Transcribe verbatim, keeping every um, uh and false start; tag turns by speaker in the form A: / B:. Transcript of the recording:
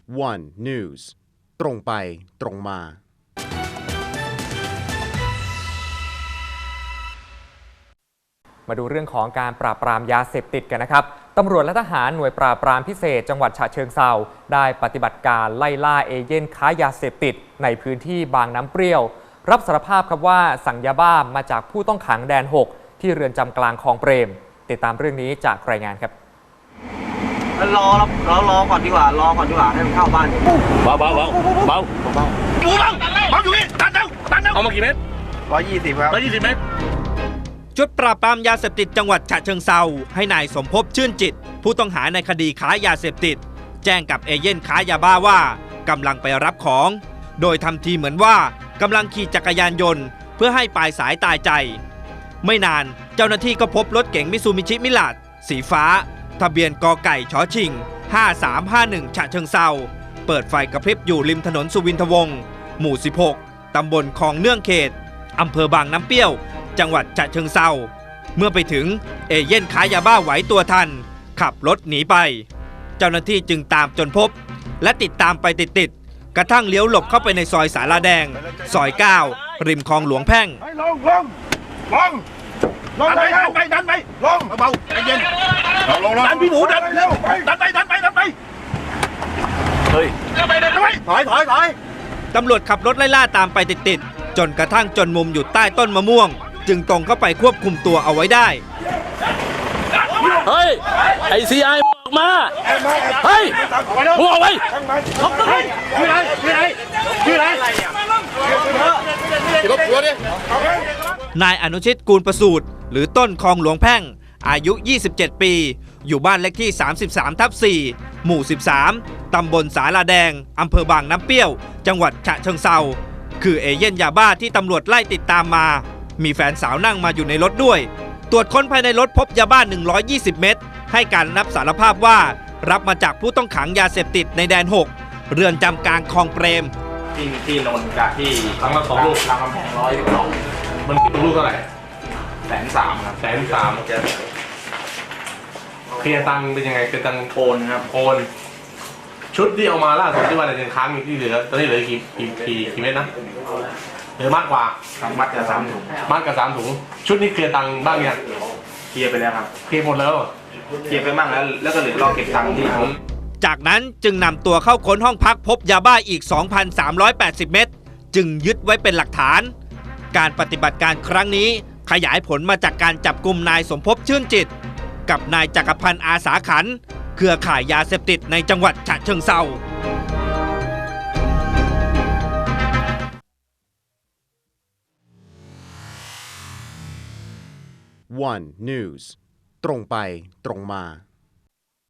A: วัน News ตรงไปตรงมา
B: มาดูเรื่องของการปราบปรามยาเสพติดกันนะครับตำรวจและทหารหน่วยปราบปรามพิเศษจังหวัดฉะเชิงเทราได้ปฏิบัติการไล่ล่าเอเย่นค้ายาเสพติดในพื้นที่บางน้ำเปรี้ยวรับสารภาพครับว่าสั่งยาบ้ามาจากผู้ต้องขังแดนหกที่เรือนจำกลางคลองเปรมติดตามเรื่องนี้จากรายงานครับ
C: รอรอรอก่อนดีกว่ารอก่อนดีกว่าให้มันเข้าบ้าน
D: เบาเบาเบาเบาเบาอยู่เบาเบาอยู่นี่ตันเร็วตันเร็วเอามากี่เม็ด
C: ร้อยยี่สิบครับ
D: ร้อยยี่สิบเม็ด
E: ชุดปราบปรามยาเสพติดจังหวัดฉะเชิงเทราให้นายสมภพชื่นจิตผู้ต้องหาในคดีค้ายาเสพติดแจ้งกับเอเย่นค้ายาบ้าว่ากำลังไปรับของโดยทำทีเหมือนว่ากำลังขี่จักรยานยนต์เพื่อให้ปลายสายตายใจไม่นานเจ้าหน้าที่ก็พบรถเก๋งมิซูมิชิมิลาดสีฟ้าทะเบียนกไก่ชชิงห้าสามห้าหนึ่งฉะเชิงเทราเปิดไฟกระพริบอยู่ริมถนนสุวินทวงศ์หมู่สิบหกตำบลคลองเนื่องเขตอำเภอบางน้ำเปรี้ยวจังหวัดฉะเชิงเทราเมื่อไปถึงเอเย่นค้ายาบ้าไหวตัวทันขับรถหนีไปเจ้าหน้าที่จึงตามจนพบและติดตามไปติดๆกระทั่งเลี้ยวหลบเข้าไปในซอยสาราแดงซอยเก้าริมคลองหลวงแพ่ง
D: ลงลงลงลงไปดันไปดันไปลงเบาใจเย็นลงลงดันพี่หมูดันเร็วดันไปดันไปดันไปเฮ้ยดันไปดันไปถอยถอยถอย
E: ตำรวจขับรถไล่ล่าตามไปติดๆจนกระทั่งจนมุมอยู่ใต้ต้นมะม่วงจึงตรงเข้าไปควบคุมตัวเอาไว้ได้
D: เฮ้ยไอซีไอมาเฮ้ยมึงออกไปชื่ออะไรชื่ออะไรชื่ออะไรรถทัวร์ดิ
E: นายอนุชิตกูลประสูติหรือต้นคลองหลวงแพ่งอายุยี่สิบเจ็ดปีอยู่บ้านเลขที่สามสิบสามทับสี่หมู่สิบสามตำบลสาลาแดงอำเภอบางน้ำเปรี้ยวจังหวัดฉะเชิงเทราคือเอเย่นยาบ้าที่ตำรวจไล่ติดตามมามีแฟนสาวนั่งมาอยู่ในรถด้วยตรวจค้นภายในรถพบยาบ้าหนึ่งร้อยยี่สิบเม็ดให้การรับสารภาพว่ารับมาจากผู้ต้องขังยาเสพติดในแดนหกเรือนจำกลางคลองเปรม
F: ที่ที่นนท์กับที่ครั้งละสองลูกรามคำแพงร้อยสองมันคิดลูกเท่าไหร่แสนสามครับแสนสามเคลียร์ตังเป็นยังไงเป็นตังโอนครับโอนชุดที่เอามาล่าสุดที่ว่าในค้างมีที่เหลือตอนนี้เหลือกี่กี่กี่กี่เม็ดนะเหลือมากกว่า
C: มัดกับสามถุง
F: มัดกับสามถุงชุดนี้เคลียร์ตังบ้างยัง
C: เคลียร์ไปแล้วครับ
F: เคลียร์หมดแล้ว
C: เคลียร์ไปบ้างแล้วแล้วก็เหลือรอเก็บตังค์ที่ผม
E: จากนั้นจึงนำตัวเข้าค้นห้องพักพบยาบ้าอีก สองพันสามร้อยแปดสิบ เม็ดจึงยึดไว้เป็นหลักฐานการปฏิบัติการครั้งนี้ขยายผลมาจากการจับกุมนายสมภพชื่นจิตกับนายจักรพันธ์อาสาขันธ์เครือข่ายยาเสพติดในจังหวัดฉะเชิงเทรา
A: วัน News ตรงไปตรงมา